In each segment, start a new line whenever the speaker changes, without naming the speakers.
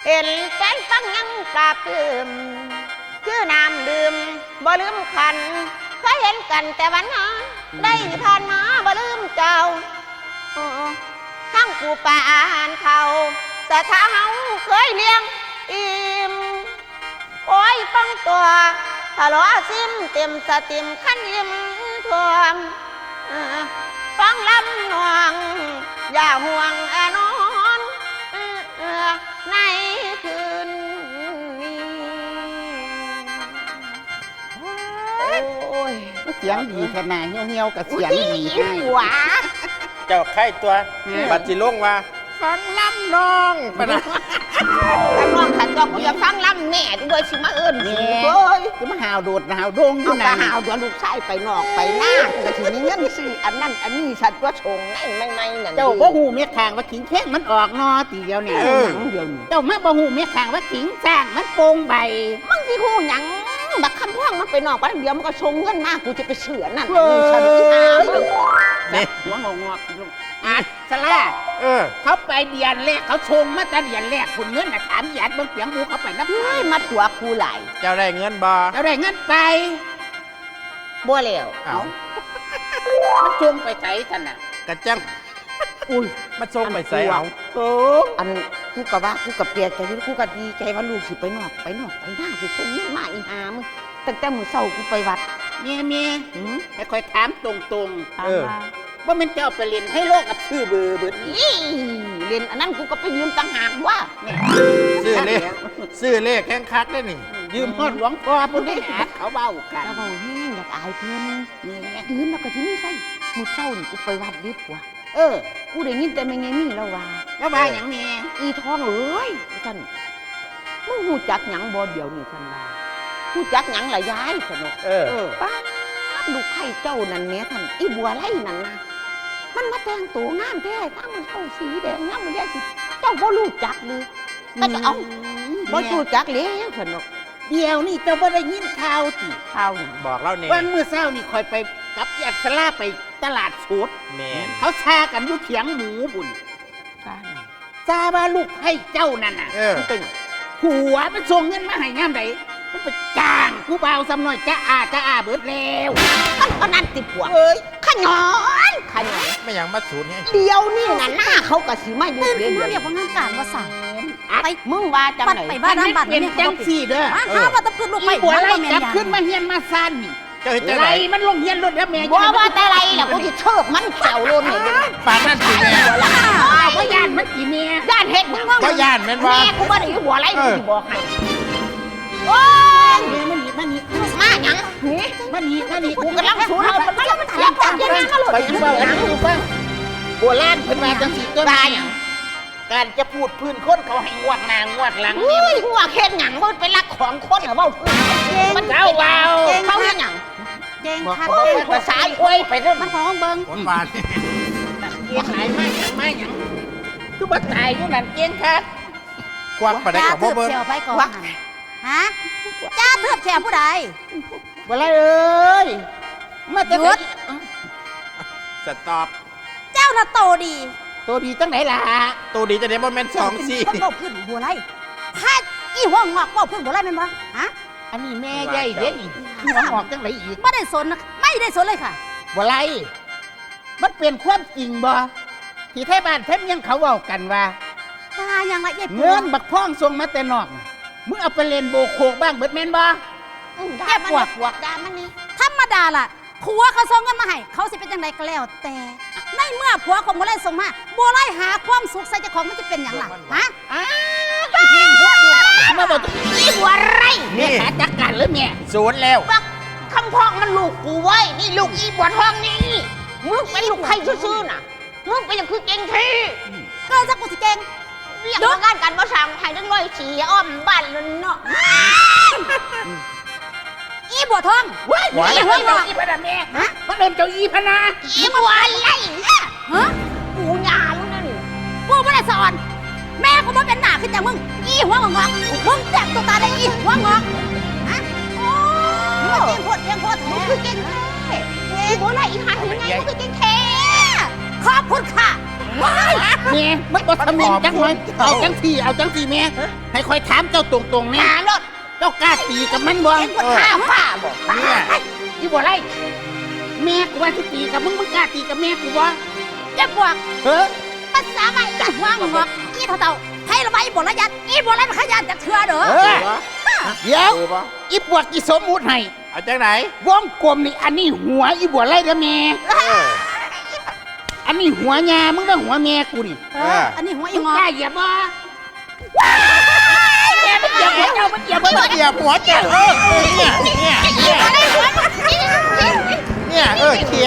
เห็นแฟนฟังยังปราบปลื้มคือน้ำดื่มบ่ลืมขันเคยเห็นกันแต่วันนั้นได้ผ่านมาบ่ลืมเจ้าทั้งปูปลาอาหารเขาสะท้าเฮาเคยเลี้ยงอิ่มโอ้ยฟังตัวทะเลาะซิมเต็มสติมขั้นยิ้มทวมฟังลำนวงอย่าห่วงนอนในคืนนี้โอ้ย
เสียงดีขนาดเหี่ยวๆกับเสียงดีให้
หวา
เจ้าไข่ตัวบัดจิลงว่าฟังลำน้องปะนะ
แต่น้องขันตัวกูอย่าฟังลำแม่ด้วยสิมาเอิญ
เฮ้ยจะมาหาวโดดหาวโด่งอยู่
นะหาวเดี๋ยวลูกชายไปนอกไปหน้าแต่ทีนี้เงินซื้ออันนั้นอันนี้สัตว์ตัวชงไม่นั่น
เจ้าบ่หูเมียขางว่าขิงแข้งมันออกนอตีเดียวเนี่ยเจ้ามาบ่หูเมียขางว่าขิงสร้างมันโป่งใบ
มึงสิหูหยังบักคำพ่องมันไปนอกไปเดียวมันก็ชงเงินมากกูจะไปเสือนั่นนี่ฉัน
นี่หัวงอกอาสลาเขาไปเดียนแรกเขาชงมาแต่เดียนแรกคุณเงินน่ะถามหยาดเบิ่งเปียงบูเขาไปนับ
มาตัวกูไหล
เจ้าได้เงินบ่
เจ้าได้เงินไป
บัวเหลว
มันชงไปใส่ท่านน่ะ
กระจัง
อุ้ย
มันชงไปใส่เอา
อันกูกะว่ากูกะเปียใจกูกะดีใจว่าลูกสิไปนอกไปหน้าสิชงเงินมาอีหามึงตั้งแต่มื้อเช้ากูไปวัด
เมียให้คอยถามตรงๆว่ามันจะเอาไปเรียนให้โลกกับชื่อเบอร์
เรียนอันนั้นกูก็ไปยืมต่างหากว่า
ซื้อเลขแข้งคักได้นี่
ยืมฮอดหลวงพ่อพุ่นได้หาเขาเบ้ากัน
เบ้าแห้งอยากอายเพิ่นนี่ยืมแล้วก็ที่นี่ใส่มื้อเช้านี่กูไปวัดดิบว่ะกูได้ยินแต่แม่ไงมีแล้วว่า
อย่างนี้
อีทองเอ้ยท่านมึงฮู้จักหยังบ่เดี๋ยวนี้ท่านว่าฮู้จักหยังล่ะยายสนุกป้าลูกไข่เจ้านั่นแม่ท่านอีบัวไล่นั่นนะมันมาแต่งตัวงามแท้ทั้งมันเข้าสีแดงงามมันแย่สิเจ้าบ่รู้จักเลยแต่ก็เอาบ่รู้จักเลยสนุก
เดี๋ยวนี่เจ้าบ่ได้ยินข่าวติ
ข่าว
บอกเล่าเนี่ย
วันมื้อเช้านี่คอยไปกับญาติสลาไปตลาดสด
แม่
เขาชากันอยู่เถียงหมูบุญซาว่าลูกให้เจ้านั่นน่ะเป็นผัวมันส่งเงินมาให้งามใดมันไปจ้างผู้บ่าวซ้ำน้อยจ้าอาเบิดแล้ว
ก็นั่นติผัวขยอน
ไม่อย่างมาสูนเนี่ย
เดียวนี่น่ะหน้าเขากะสิมาอยู่
เรียกว่างานการว่าสั่ง
ไปมึงว่าจังไหน
ไปบ้านน้ำบัตร
เป็นจังสี่เด้อ
หาว่าตะพื้นลูกไป
หัวไรจับขึ้นมาเฮียนมาซ่านนี่ไรมันลงเฮียนรถแล้วแม่
ว่าแต่ไรล่ะกูจะเชิบมันแถวโลนเนี่ย
ปากนั่นสิแม่
ว่ายานมันกี่เมีย
ย่านเฮ็ด
ก็ย่านแม่นว่า
แม่กูบ่ได้หัวไรกูจะบอกให้โอ้ย
มันนี่
มาหยังนี่กูกำลังสูนเอามันถามจับยังไงมาหลุด
ไปอยู่บ้านอยู่บ้านโบราณเพิ่นว่าจังสิตัวนี้การจะพูดพื้นคนเขาให้งวดหน้างวดหลัง
นี่หัวเฮ็ดหยังบ่เป็นรักของคนเหรอเว้า
มันเจ้าเว้า
เขาเฮ็ดหยัง
เก่งคัก
ภาษาอ้อยไปเด้อ
มันของเบิ่ง
คนบาด
เก่งหลายมากหยังคือบ่ตายอยู่นั่นเก่งคัก
กวักไปได้กับบ่เบิ่ง
ไปก่อนฮะจ้าเทือบแฉผู้ใด
บ่ไรเอ้ยมาแต่หยุด
สต็อป
เจ้าน่ะโตดี
จังไหนล่ะ
โตดีจะได้บ่แม่น2-4
คนเว้าพื้นบัวไรถ้าอีหัวงอกเว้าพื้นบัวไรแม่นบ่ฮะ
อันนี้แม่ใหญ่เด้นี่หัวงอกจังไหนอีก
ไม่ได้สนเลยค่ะ
บัวไรมันเป็นความจริงบ่ที่ไทยบ้านเพิ่นยังเขาเว้ากันว่า
ยังละ
เงินบักพ่องส่งมาแต่นอกมึงเอาไปเล่นโบโคกบ้างเบิดแม่นบ่
แค่ปวดด่ามันนี่
ธรรมดาล่ะผัวเขาส่งเงินมาให้เขาสิเป็นจังไดก็แล้วแต่ในเมื่อผัวของบัวไร่ส่งมาบัวไร่หาความสุขใส่เจ้าของมันจะเป็นอย่างไรฮะ
มาบอก
อีบัวไร่
แม่ขาจักการหรือแม่
ศูนย์แล้ว
บักคำพ้องมันลูกกูไว้นี่ลูกอีบัวทองนี่มึงเป็นลูกใครซื่อๆน่ะมึงเป็นอย่างคือเก่งที
ก็จะกูสิเก่ง
เรียกว่างานการบ่สั่งให้ทั้งร้อยฉี่อ้อมบ้านเลยเนาะ
อีบัวทอง
อีหัวงอกอีพนาแม่มันโดนเจ้าอีพนา
อีบัวไล่ฮะกูหยามึงนั่น
กูไม่ได้สอนแม่กูไม่เป็นหน้าขึ้นจากมึงอีหัวงอกมึงแตกตัวตาได้อีหัวงอกฮะโอ้เก่งโคตร
มึงคือเก่งแท้อีบัวไล่อีหันยังไงมึงคือเก่งแท้
ขอบคุณค่ะ
แม่มันบ่ทำเนียนจังเลยเอาจังสี่แม่ให้คอยถามเจ้าตรงๆแม่
หารถ
เจ้ากล้าตีกับมันบ่
เห็นคนข้าฟ้าบ่
เนี่ย
อีบ่ไรแม่กูว่าสิตีกับมึงกล้าตีกับแม่กูบ่
เจ็บปวด
เฮ้อ
ภาษาใหม่อีหัวงอกอีเต่าให้ระบายบทละยันอีบทละขยันจากเถื่อเด้อ
เออเดี๋ยว
ถูกปะ
อีปวดอีสมมุติให้
เอาจากไหน
วงกลมนี่อันนี้หัวอีบ่ไรเด้อแม่ อันนี้หัวญามึงต้องหัวแม่กูนี่
อันนี้หัวอี
มึง
งอก
ล้าเหยียบบ่แม่มันเหยียบหัวเจ้ามันเหยียบหัวเจ้า
เหยียบหัวเจ้าเนี่ยเคลียร์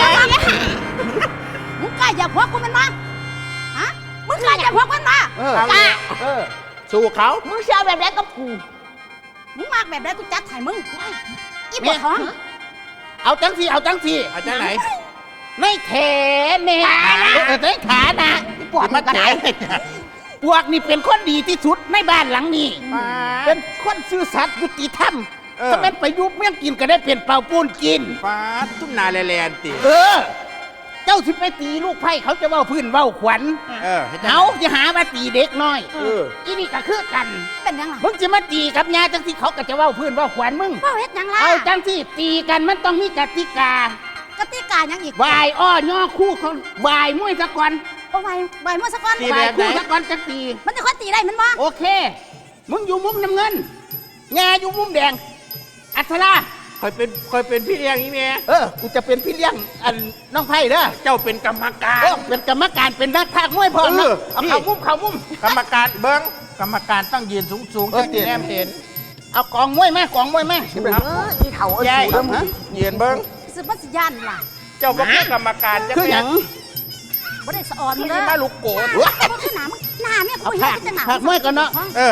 มึงกล้าอย่าพวกกูมันมาฮะมึงกล้าอย่าพวกมันมา
สู้เขา
มึงเชื่อแบบไหนกับกู
มึงมากแบบไหนกูจัดให้มึงอีปวดท้อง
เอาจังสี่
เอาจากไหน
ไม่แถแม่ในขานะปวดมันก็ได้พวกนี่เป็นคนดีที่สุดในบ้านหลังนี้เป็นคนซื่อสัตย์ยุติธรรมถ้าเป็นไปยุบเมี่ยงกินก็ได้เปลี่ยนเป่าปูนกิน
ฟ้าทุ่มนาแลนติ
เจ้าสิไปตีลูกไผ่เขาจะเว้าพื้นเว้าขวัญ เขาจะหามาตีเด็กน้อยอีนี่ก็คือกัน
เป็นยังไง
มึงจะมาตีกับยาจังที่เขาก็จะเว้าพื้นเว้าขวัญมึง
ว่าเฮ็ดยังล่ะ
เอาจังที่ตีกันมันต้องมีกติกาก
ติกายังอีก
วายอ้อย่อคู่เขาวายมวยซะก่อน
โอ้ใบเมื่อสักวัน
วายคู่ซะก่อนจังตี
มันจะคนตีได้มันบ่
โอเค มึงอยู่มุมน้ำเงินยาอยู่มุมแดง อัศรา
คอยเป็นพี่เลี้ยงนี่แม่
กูจะเป็นพี่เลี้ยงอันน้องไผ่เด้อ
เจ้าเป็นกรรมการ
เป็นกรรมการเป็นนักพากย์มวยพร้อมนะเอาเข้ามุม
กรรมการเบิ้งกรรมการต้องยืนสูงจะแนมเห็น
เอากองมวยไหมกองมวยไหม
อีเถา
ใหญ่ยืนเบิ้ง
สืบมัสยานล่ะ
เจ้าบ่คือกรรมการจะ
คืออย่าง
บ่ได้สะออน
มึง
เด้อ
มาลูกโกด
บ่คือหนามึงหน้าแม่กู
เอา
เฮ็
ภาค
ดจังหนา
ภาคมวยก่อนเนาะ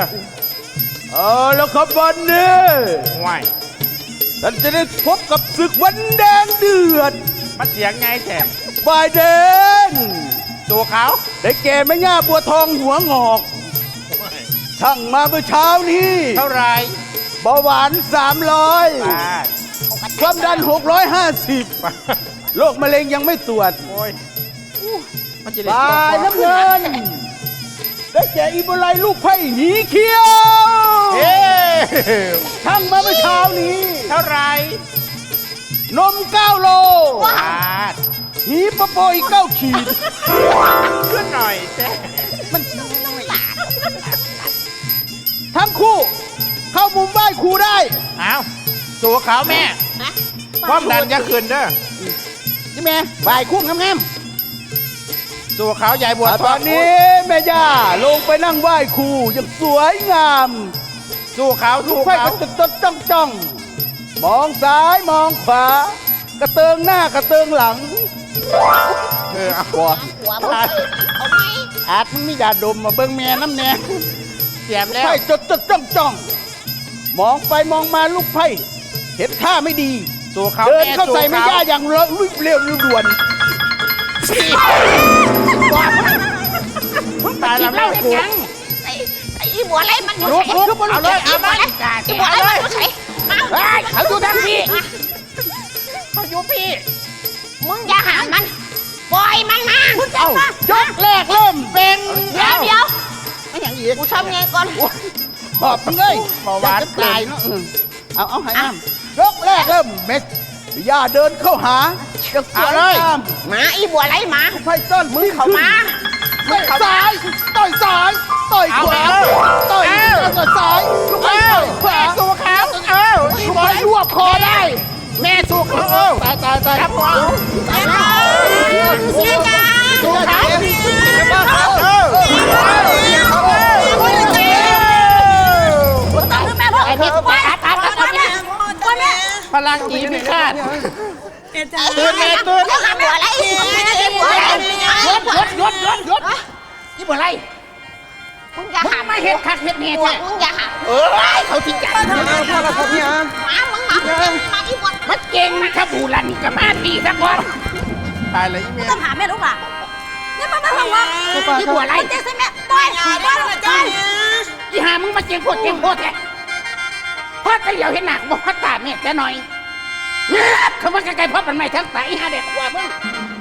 แล้วครับวันนี้
ห่วย
ท่านจะได้พบกับศึกวันแดงเดือด
มันเสียงไงแท้
ฝ่ายแดง
สู้เขา
ได้แก่แม่ย่าบัวทองหัวงอก ช่างมาเมื่อเช้านี้
เท่าไร
เบาหวาน 300 ความดัน 650 โรคมะเร็งยังไม่ตรวจ
โอ้ยมันจะได้
ฝ่ายน้ำเงิน ได้แก่อีโบไลลูกไผ่หนีเขียว
เฮ้
ช่างมาเมื่อเช้านี้
เท่าไร
นม 9 โล
บาท
หีปะโปอีก9 ขีด
ขึ้นหน่อยแท้
ทั้งคู่เข้ามุมไหว้ครูได้
เอาสู้เขาแม่ความดันจะขึ้นเด้อ
นี่แม่บ่ายคู่งาม
สู้เขาใหญ่บัว
ตอนนี้แม่ย่าลงไปนั่งไหว้ครูอย่างสวยงาม
สู้เขา
ลู
สู้
กไผ่
เขา
ก็จดจ้องมองซ้ายมองขวากระเติงหน้ากระเติงหลัง
เอา
ก่อน
หัวมึงเอาไหม
ๆอาจมึงมียาดมมาเบิ่งแม่น้ำแน่
เสียมแล้ว
ไผ่จดจ้องมองไปมองมาลูกไผ่เห็นท่าไม่ดี
สู้เขา
เดิน
แม่
เข้าใส่แม่ย่าอย่างเร็วด่วน
มึงตายแล้วเล่ากู
ไอ้อีบัวไรมันอยู่
ลุ
ไห
ก
น
ลุกเอาเลยเอาเลย
อีบัวไรมันอยู่ไหน
เฮ้ยเขาอยู่ทางพี่
เขาอยู่พี่
มึงอย่าหามันปล่อยมันมา
เอ้ายกแรกเริ่มเป็น
เดี๋ยว
ไม่อย่างอีก
กูชอบไงก่อน
หอบมึงเลยอยากจะตายเนาะเอาให้น้ำยกแรกเริ่มเม็ด
แม่ย่าเดินเข้าหาอย่างสวยงาม
หมาอีบัวไรหมา
ไผ่ต้อนมือ
เข้ามา
ต่อยซ้ายต่อยซ้ายต่อยขวาต่อยซ้ายลูกไผ่ต่อยขวา
สู้เขาอี
ลูก
บอ
ไผ่
ย
รวบคอได้
แม่สู้เขา
ตาย
ครับผม
เสียจ้า
สู้เขา
ต้องคือแม่พ่อ
ไอ้นี่ตายตาย
แม่
พลังอีพิฆาต
ตื่นแม่ตื่นแล้วหาบัวไรอีบัวไร
ยศนี่บ่ไร
มึงอย่า
มึง
หา
ไม่เห็ดคักเห็ดเนี่ย
บัว
แท้
มึงอย่าหา
เขาทิ้งกัน
หมามึงมาอีบัว
มันเก่งนะครับบูรันกับมาตีสักวัน
ตายเลยอีเมีย
ต้องหาแม่ลูกล่ะนี่มันมาว่า
นี่บัวไร
เจ๊ใส่แม่ปล่อยปล่อย
อีหามึงมาเก่งโคตรแท้พ่อตะเหลียวเห็นหนักบอกพ่อตาแม่แต่หน่อยเขามาไกลๆพ่อมันไม่ทั้งตายอีหาเด็กกว่ามึง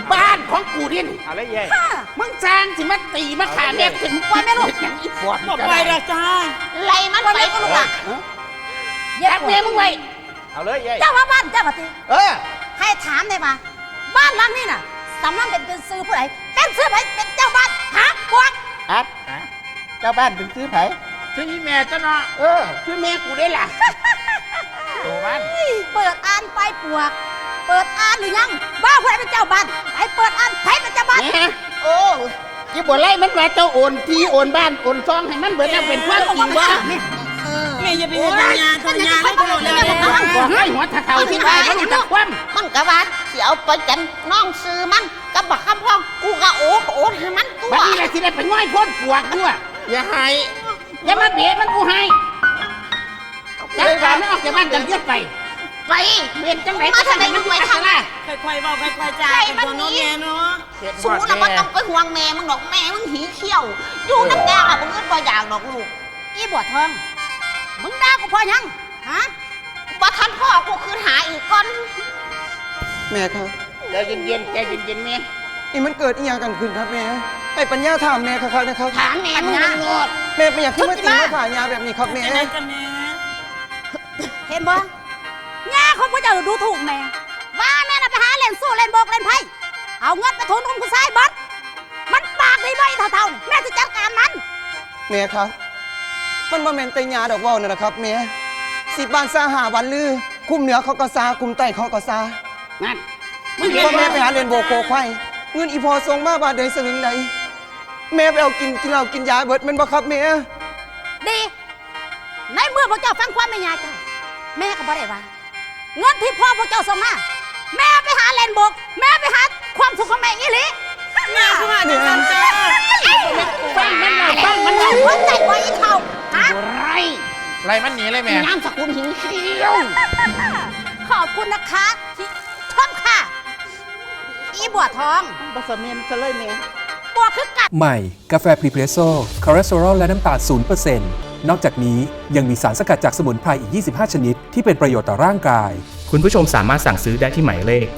บ้านของกูดิน
เอาเลยเย่
มึงสร้างสิมาตีมาขาแม่ถึงว่าแม่ลูกอย่างอีปอด
บอกไปละจ้า
ไล่มันไปก็ลูกหล่ะ
รักแม่มึงไว้
เอาเลยเย่
เจ้าว่าบ้านเจ้าปฏิ
เออ
ให้ถามได้ปะบ้านหลังนี้น่ะสำนักเป็นซื้อผู้ใดเป็นซื้อไผเป็นเจ้าบ้านหาพวก
อัดเจ้าบ้านเป็นซื้อไผ
ซื้ออีแม่จ้ะเนาะ
เออซื้อแม่กูได้ล่ะ
โตบ้าน
เปิดอ่านไปปวก เปิดอ่านหรือยังว่าผู้ใดเป็นเจ้าบ้านไอ้เปิดอ่านไผเป็นเจ้าบ้าน
แหมโอ้ยี่บ่ไล่มันว่าเจ้าโอนที่โอนบ้านโอนซองให้มันเบิดแล้วเป็นความจริงว่า
แม่อย่าไปเห็นยาทำยาแล้วก็หล่นแล้ว
บอกให้หัวทะเทาที่บ้านมันจะคว่
มันกะว่าสิเอาไปจันน้องซื้อมันกับบักคำพ้องกูก็โอนให้มันตั
ำ
ว
บัดนี้แหละที่ได้ไปง่อยพ้นปวกด้วย
อย่าให้
อย่ามาเบียดมันกูให้จัดการมันออกจากบ้านจังเยียดไป
ไป
เบียดจังไหน
มาทางไหนมันไปทางไหน
ค่อยๆบอกค่อยๆจ้าเป็นตัวน้องแม่เนาะ
สูงแล้วมันต้องไปห่วงแม่มึงดอกแม่มึงหีเขี้ยว อยู่น้ำแดงอ่ะมึงก็บ่อยากดอกลูก
อีบัวทองมึงด่ากูพอยังฮะ
บ่ทันพ่อกูคืนหาอีกก่อน
แม่ครับ
ใจเย็นๆใจเย็นๆแม่
นี่มันเกิดอีหยังกันขึ้นครับแม่ไอ้ปัญญาถามแม่ครับนะครับ
ถามแม่มึงโลด
แม่เป็นอย่างที่มาตีมาผ่ายาแบบนี้ครับแม่
จะได้กันแม่
เห็นบ่ย่าของพระเจ้าดูถูกแม่ว่าแม่น่ะไปหาเล่นสู้เล่นโบกเล่นไพ่เอาเงินไปทุนอุ้มผู้ชายเบัดมันปากดีบ่อีเท่าๆนี่แม่จะจัดการมัน
แม่ครับ มันบ่แม่นแต่ยาดอกเว้านั่นนะครับแม่10 บาทซาหาวันลือ คุมเหนือเขาก็ซาคุมใต้เขาก็ซา
นั่น
พ่อแม่ไปหาเรียนโบกโคควายเงินอีพอส่งมาบาทใดสลึงใดแม่ไปเอากินเหล้ากินยาเบิดแมันบ่ครับแม่
ดีในเมื่อพระเจ้าฟังความแม่ยายเจ้าแม่ก็บ่ได้ว่าเงินที่พ่อพระเจ้าส่งมาแม่ไปหาเล่นโบกแม่ไปหาความสุขของแม่อีหลี
แม่คือว่าจะทำจ้า
ฟังมันหน่อยฟังมันหน่
แม่
อย
หัวใจบ่อีเท่าฮะ
ไร
ไล่มันหนีเลยแม่
น้ำสกุลหิวเขี้ยว
ขอบคุณนะคะที่ชมค่ะ อีบัวทอง
บะสะเมียนซะเลยแม่
บัวคือกัด
ใหม่ กาแฟพรีเพรสโซ่คอเลสเตอรอลและน้ำตาล0%นอกจากนี้ยังมีสารสกัดจากสมุนไพรอีก 25 ชนิด ที่เป็นประโยชน์ต่อร่างกาย
คุณผู้ชมสามารถสั่งซื้อได้ที่หมายเลข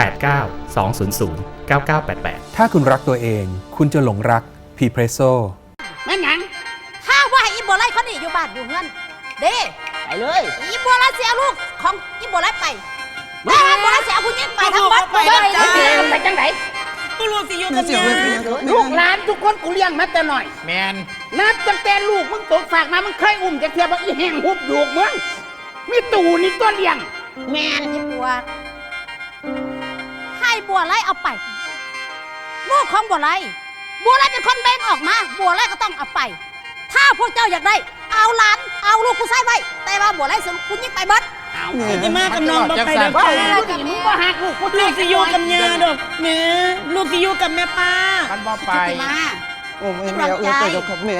089 200 9988
ถ้าคุณรักตัวเอง คุณจะหลงรักพรีเพรสโซ่
แม่นหยัง
ข้าว่าให้อีบัวไล่เขาหนีอยู่บ้านอยู่เงินเด้
ไปเลย
อีบัวไล่เสียลูกของอีบัวไล่ไปแม่บัวไล่เสียผู้หญิงไปทั้งหมด
ไปแล้วจ้า
ไปจังไหน
กูรู้สิอยู่
แม่
กับ
เสีย
แม่
เงินไปยังครับ
ลูกห
แม่
ลานทุกคนกูเลี้ยงมาแต่หน่อย
แมน
นับตั้งแต่ลูกมึงตกฝากมามึงเคยอุ้มจะเทียบว่าอีแห้งหุบดูกมึงมีตู่นี่ตัวเลี้ยง
แม่อีบัวให้บัวไล่เอาไป ลูกของบัวไล่บัวไล่เป็นคนแบ่งออกมาบัวไล่ก็ต้องเอาไป ถ้าพวกเจ้าอยากได้ เอาหลานเอาลูกผู้ชายไว้แต่ว่าบัวไล่ส่งผู้หญิงไปเบิด
เอา
จะมากับน้องบอกไปเด้อ
ว่า
จ้า
ลูกนี่มึงก็หักลูกกู
ลูกสิอยู่กับยาดอกแม่ลูกสิอยู่กับแม่ป้า
มันบ่ไป
จิมา
โอ้แม่เอาเงินไปแล้วครับแม่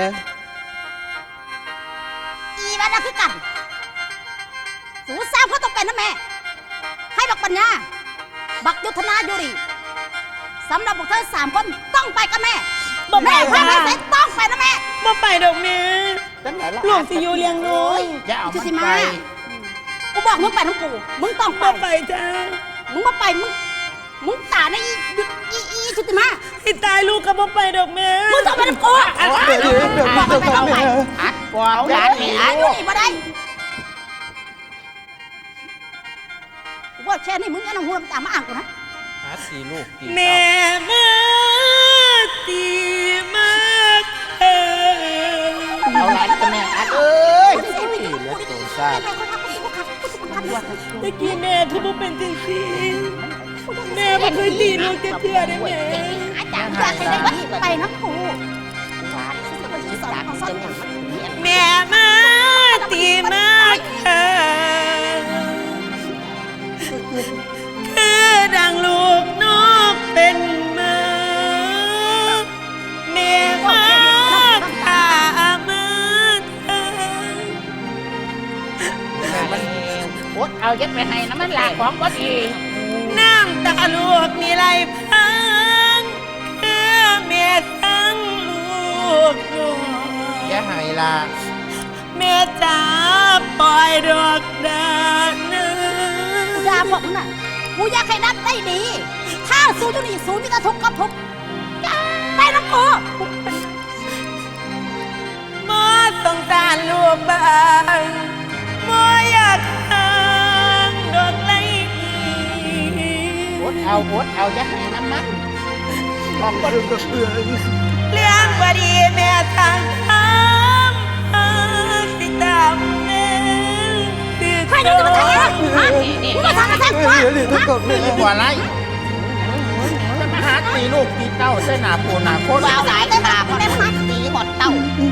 อีแม่น่ะคือกันสูสร้างเขาต้องเป็นนะแม่ ให้บักปัญญา บักยุทธนาอยู่ดีสำหรับพวกเธอ3 คนต้องไปกับแม่
บ่ไป
แม่พาไป
ค่ะ
ไหนต้องไปนะแม่
บ่ไปดอกแม่
จังไหนล่ะ
ลูกสิอยู่เลี้ยงน้อย
อย่าเอา
ชุ
มัน
ติ
ไป
มากูบอกมึงไปทั้งกูมึงต้องไป
บ่ไปจ้า
มึงมาไปมึงตาในอีชุติมา
ให้ตายลูกก็บ่ไปดอกแม่
มึงต้องไปทั้งกู
เดี๋ยวครับแม่
อัดกว่าเอาหลานนี่
อายุนี่มาได้กูบอกแค่นี้มึงอย่าลงหัวตามมาอ่างกูนะ
หาสีลูกตี
แม่มาตีมาเออ
เอาหลานกับแม่อัดเอ้ย
เลือดตัวซาด
ตะกี้แม่คือบ่เป็นจริงสิแม่บ่เคยตีลูกเทื่อได้แม่
อาจารย์อยากให้ได้ไปน้ำกู
แม่มาตีมาเออคือดังลูกนกเป็นมาแม่มาขามาเธอ
อดเอายัดไปให้น้ำมันหลากของก็ดี
น้ำตาลูกมีไหลพังคือแม่ทั้งลูกน้อย
อย่าให้ล่ะ
แม่จ๋าปล่อยดอกดาเนื้
กูด่าพวกมึงน่ะกูอยากให้นัดได้ดี ถ้าสู้อยู่นี่สู้มีแต่ทุกข์กับทุกข์ไปน้ำกู
บ่สงสารลูกบ้างบ่อยากห่างดอกไม้
อดเอาอย่าให้น้ำมันลองก็กับเพื่อน
เรื่องบ่ดีแม่ทางทำสิตามแม่คือ
ใครจะมาทำอะไรมึงมาทำอะไรกู
ตีหัวไรจะมาหาตีลูกตีเต้าเส้นหนาปูหนาโคตร
บ่าวสายตาคนได้พักตีหดเต้า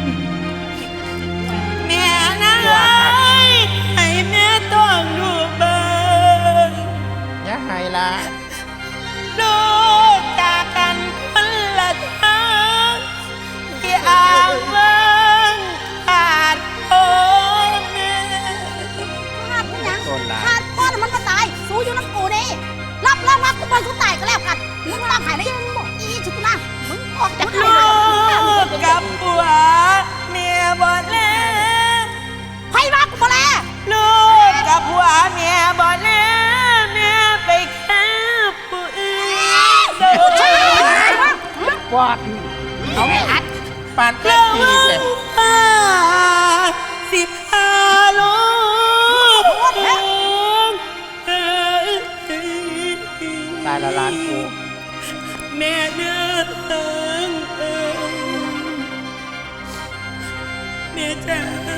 แม่นะให้แม่ต้องดูบ้าง
อย่าให้ละ
ลูกจากกันคนละทางที่อ่างเมืองขาดพ่อแม่
ขาดมึงยังขาดพ่อมันมาตายสู้อยู่น้ำกูนี่รับรองว่ากูไปสู้ตายก็แล้วกันมึงร่างหายได้ยังบอกอีชุดนะมึงออกจาก
ลูกกับผัวเมียบ่แล้ว
ไพ่มากูมาแล้ว
ลูกกับผัวเมียบ่แล้วเมียไปแค่ผู้อื่นโดน
ปอดเอาไม่อัด
ปานเต้นตีเลย
สิบห้าลูก
ตายละล้านกู
แม่เดินแม่จ๋า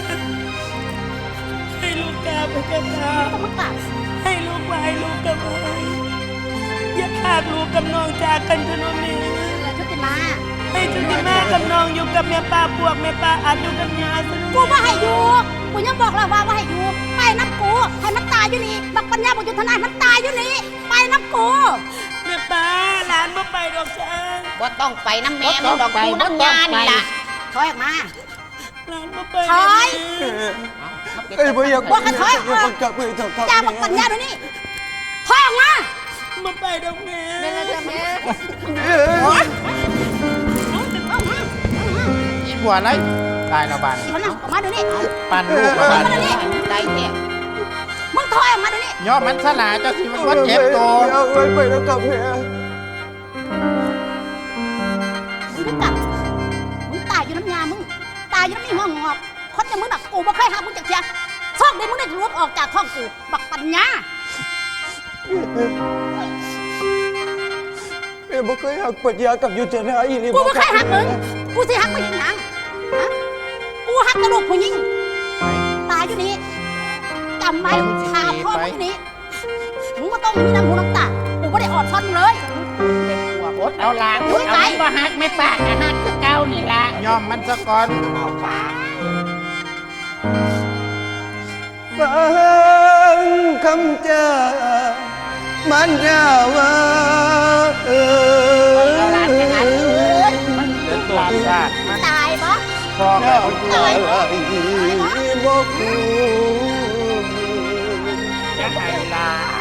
ให้ลูกกราบไปกับตา
มึงกลับ
ให้ลูกไหวลูกกับไหวอย่าขาดลูกกับน้องจากกันเถอะน้องแม่
ชุติมา
ให้จุติมากับน้องอยู่กับแม่ป้าพวกแม่ป้าอาจอยู่กับยาสนุ
กูว่าให้อยู่กูยังบอกแล้วว่าให้อยู่ไปน้ำกูให้มันตายอยู่นี่บักปัญญาบุญยุทธนายมันตายอยู่นี่ไปน้ำกู
แม่ป้าหลานบ่ไปดอกจ้า
บ่ต้องไปน้ำแม่มึงดอกกูน้ำยานี่ล่ะ
ถอยออกมา
หลานบ่ไป
ถอย
เอ้ยบ่อยาก
ว่ากันถอยออกมา
กับมือถอย
อย่าบักปัญญาเดี๋ยวนี้ถอยออกมา
บ่ไปดอกแม่
ตีหัวไรตายละบาน
ถอยออกมาเดี๋ยวนี้
ปันลูกละ
ถอย
บาน
มาเดี๋ยวนี้
ได้แท้
มึงถอยออกมาเดี๋ยวนี้
ย่อมันสลาเจ้าสิมันว่าเจ็บตัว
เอาไว้ไปแล้วกับแม่
มึงก็กลับมึงตายอยู่น้ำยามึงตายอยู่น้ำนี่หัวงอกคนอย่างมึงน่ะกูบ่เคยหามึงจากเชียโชคดีมึงได้รวบออกจากท้องกูบักปัญญา
แม่บ่เคยหักปัญญากับยุทธนาอีหลี
กูไม่เคยหักมึง กูสิหักมึงยังไงฮะกูหักกระดูกผู้หญิงตายอยู่นี่จำไว้ขาพ่อมึงอยู่นี่มึงก็ต้องมีน้ำหูน้ำตา กูไม่ได้อดทนเลย
อดเอาลางอดเอาไม่บ่หักไม่ปากนะหักคือเก่านี่ล่ะ
ย่อมมันซะก่อน
ฟังคำจามันยาว่าเออ
เอาลางไปหักเอ้ยมัน
เดินตัวชาติมัน
ตายปะ
พอแล้ว
ตายบ่กู
อย่าให้ละ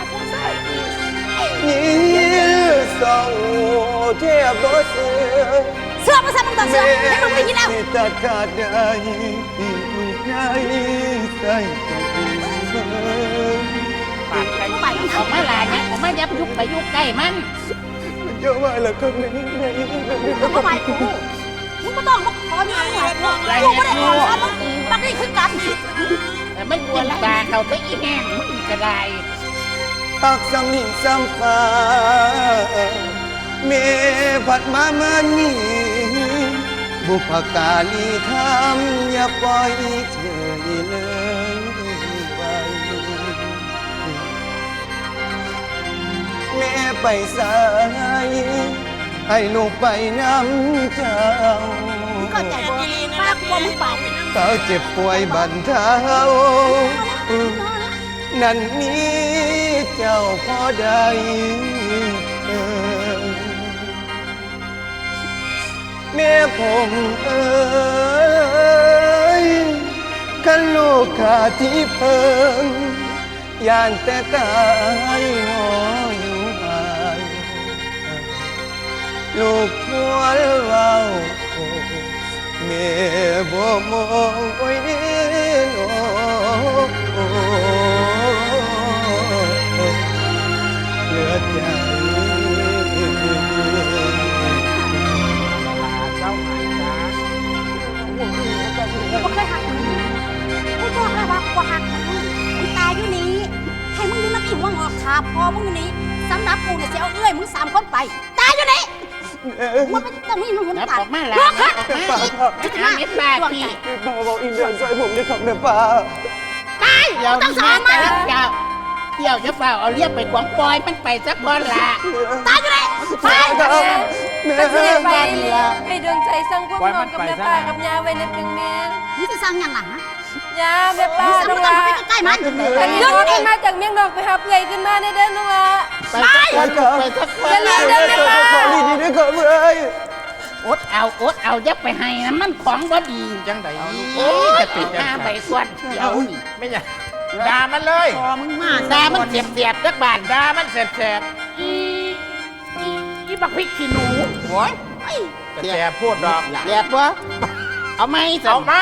นี่ส่องเทียบบ่เสือ
เสื้อมาใส่มึงต่อเสื้อให้มึงไปกินแล้ว
ที่ตัดขาดได้ได้ใส่
ปากไก่ออกมาลาเนี่ยผมไม่ยับยุกไปยุกใกล้มัน
เยอะมากเลยครับนี่
มึงก็ไปกูมึงก็ต้องมาขอเนี่ยมึงกูไม่ได้อดทนมึงบักนี่คือกัน
แต่ไม่กลัวตาเขาไปอีแห้งมึงก็ได้
ตักสำนินสำฟ้าเมผัดมาเมื่อนี้บุพการีทำอย่าปล่อยเฉยเลยไปแม่ไปสายให้ลูกไปน้ำเจ้า
มึงเข้าใจป่ะป้ากูบอกมึงไป
เขาเจ็บป่วยบันเทานั่นนี้เจ้าพ่อใดแม่ผมเอ้ยขันลูกขาดที่เพิ่งยานแต่ตายหออยู่ห่างลูกทวนเว้าแม่บ่มองไว้เด้อเหลือใจ
มึงอยู่นี่สำนักกูเนี่ยสิเอาเอื้อยมึง3คนไปตายอยู่นี่มันเป็นต้องมีมัน
แล้ว
ตาย
ออกมาแล้ว
ลูกค่ะ
น้ำเม็ดปลาพี่
แม่ป้าบอกอินเดียนช่วยผมด้วยครับแม่ป้า
ตาย
เดี๋ยว
ต้องสอนมัน
เดี๋ยวจะเฝ้าเอาเรียกไปขวางปล่อยมันไปสักคนละ
ตายอยู่นี่ไป
ครับแม่
ก็สิได้ไปให้ดวงใจสร้างพวกน้องกับแม่ป้ากับยาไว้ในเพียงแม่
มึงจะสร้างหยังล่ะฮะ
ยาแม่ป้า
มึงสร้าง
น้อง
ไม่ต้อง
ละ
เข้าไปใกล้ๆมัน
อันนี้
หยุด
น้อง
นี่
มาจากเมียงนอกไปหาเปื่อยขึ้นมาในเด้อน้องละ
ไปสักคนไปสักคน
อย่าลืมเด้อแม่ป้า
ขอดีๆด้วยครับเอ้ย
อดเอายับไปให้นะมันของบ่ดี
จังได
โอ้ย
จะปิด
หน้าใบกวนเดี๋ยวนี่
ไม่ใช่ด่ามันเลย
พอมึงมาซามันเสียบจักบาน
ด่ามันแสบ
อีบักพริกขี้หนู
ๆโอ้ยจะแสบพูดดอก
แหลกวะเอาไหม
เอาไหม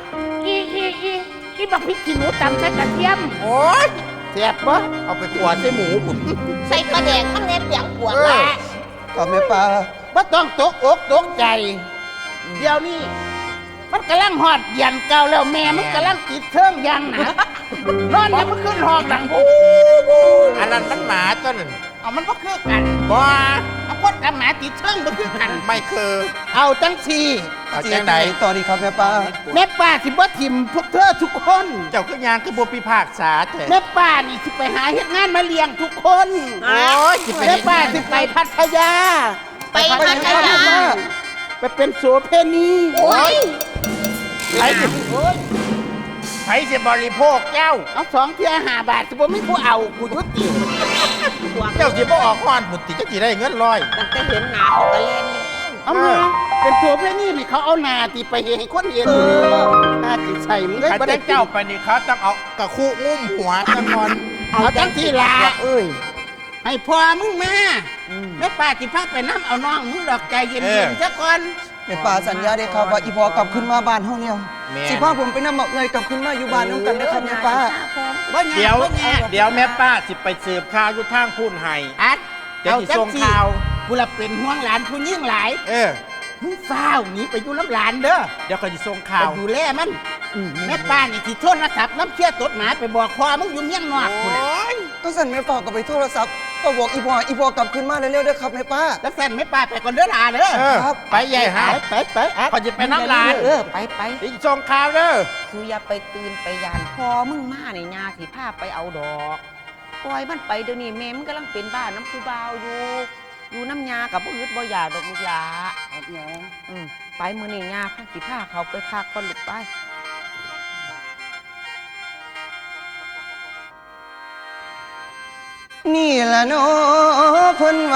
อีบักพริกขี้หนูตำใส่กระเทียม
โอ้ย
แสบวะ
เอาไปขวดใส่หมูผม
ใส่ปลาแดกมันเน็บอย่างปวด
เออ
ละ
ครับแม่ป้า
ว่าต้องตกอกตกใจ เดี๋ยวนี้มันกำลังหอดยันเก่าแล้วแม่มันกำลังติดเทิงยังหนะนอนยังมันขึ้นหอกดังบูบู
อันนั้นมันหมาตัวนั้น
เอามันก็คือกัน
บ่
เอาคนกับหมาติดเทิงมันคือกัน
ไม่คือ
เอาจังสี
เอาจังได
ต่อดีครับแม่ป้า
แม่ป้าสิบ่ทิมพวกเธอทุกคน
เจ้าคือยางคือบ่พิพากษาแต่
แม่ป้านี่สิไปหาเฮ็ดงานมาเลี้ยงทุกคน
โอ้ยสิไป
แม่ป้าสิไปพัทยา
ไปพัทยา
ไปเป็นโสเพณี
โอ้ยไผสิไผสิบริโภคเจ้า
เอา2 เที่ย5 บาทสิบ่มีผู้เอากูยุติ
เจ้าสิบ่ออกฮ้อนบุตรจะสิได้เงินร้อย
ตั้งแต่เห็นหนาเขาก็เล่นเลย
เอามาเป็นโสเพณีนี่เขาเอาหน้าติไปให้คนเห็นหน้าติใส่มึงเลย
ถ้า
บ่ได้
เจ้าไปนี่เขาต้องเอากระคู่งุ้มหัวจังก่อน
เอาจังที่ล่ะ
เอ้ย
ให้พ่อมึงมาแม่ป้าสิพาไปน้ำเอาน้องมึงดอกใจเย็นๆซะก่อน
แม่ป้าสัญญาได้ครับว่าอีพอกลับขึ้นมาบ้านเฮาแล้ว
แม่
สิพาผมไปนำบอกเงยกลับขึ้นมาอยู่บ้านน้ำกันนะครับแม่ป้า
บ่ยาก
เดี๋ยว
บ่ยาก
เดี๋ยวแม่ป้าสิไปสืบข่าวอยู่ทางพูนไห้
อัด
เดี๋ยวสิส่งข่าว
กูละเป็นห่วงหลานผู้ยิ่งหลาย
เออ
มึงฟ้าวหนีไปอยู่น้ำหลานเด้อ
เดี๋ยวเขาจะส่ง
ไป
ข่าว
ดูแลมันแม่ป้านี่ที่โทรศัพท์น้ำเชื่อตดหมาไปบอกพ่อมึงอยู่เมียงนอกกูน่ะ
ก็สั่นแม่ป้าก็ไปโทรศัพท์ก็บอกอีพอกลับขึ้นมาเร็วๆเด้อครับแม่ป้า
แล้วแฟนแม่ป้าไปก่อนเด้อหลาเด้อ
เออ
ครับ
ไปใหญ่หา
ไปอัด
เขาจะไปน้ำลาน
ไป
สิส่งข่าวเด้อ
คืออย่าไปตื่นไปยานพอมึงมาในยาสิพาไปเอาดอกปล่อยมันไปเดี๋ยวนี้แม่มันกำลังเป็นบ้านน้ำผู้บ่าวอยู่น้ำยากับบ่อึดบ่อยากดอกลูกหลาไปมื้อนี้ยาพาสิพาเขาไปพักก่อนลูกไป
นี่ล่ะเนาะเพิ่น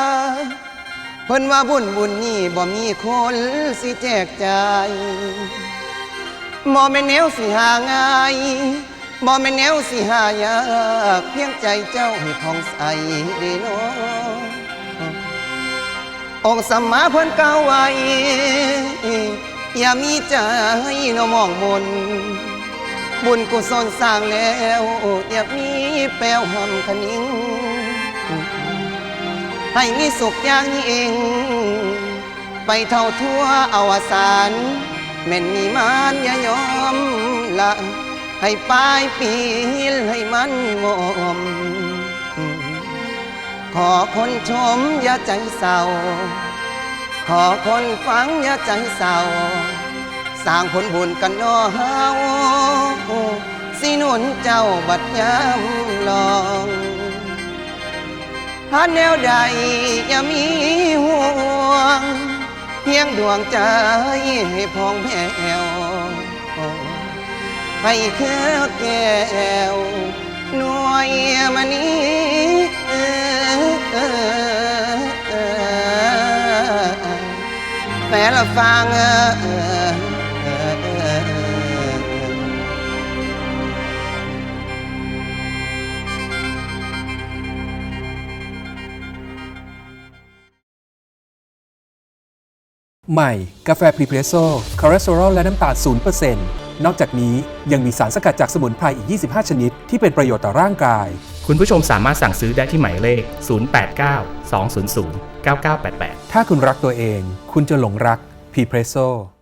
ว่าบุญนี่บ่มีคนสิแจกจ่ายบ่แม่นแนวสิหาง่ายบ่แม่นแนวสิหายากเพียงใจเจ้าให้ผ่องใสเด้เนาะองค์สัมมาเพิ่นกล่าวไว้อย่ามีใจเนาะมองมน บุญกุศลสร้างแล้วอย่ามีแปลวหำคะนิ้งให้มีสุขอย่างยิ่งไปเท่าทั่วอวสานแม่นมีมานอย่ายอมละให้ปลายปีให้มันงอมขอคนชมอย่าใจเศร้าขอคนฟังอย่าใจเศร้าสร้างผลบุญกันน้อเฮาสิหนุนเจ้าบัดยามลองหาแนวใดอย่ามีห่วงเพียงดวงใจให้พองแผ้วให้แค่แก้วหน่วยมานี้แฟนละฟัง
ใหม่ กาแฟพรีเพรสโซ่คอเลสเตอรอลและน้ำตาล 0% นอกจากนี้ยังมีสารสกัดจากสมุนไพรอีก 25 ชนิด ที่เป็นประโยชน์ต่อร่างกาย
คุณผู้ชมสามารถสั่งซื้อได้ที่หมายเลข 089 200 9988
ถ้าคุณรักตัวเอง คุณจะหลงรักพรีเพรสโซ่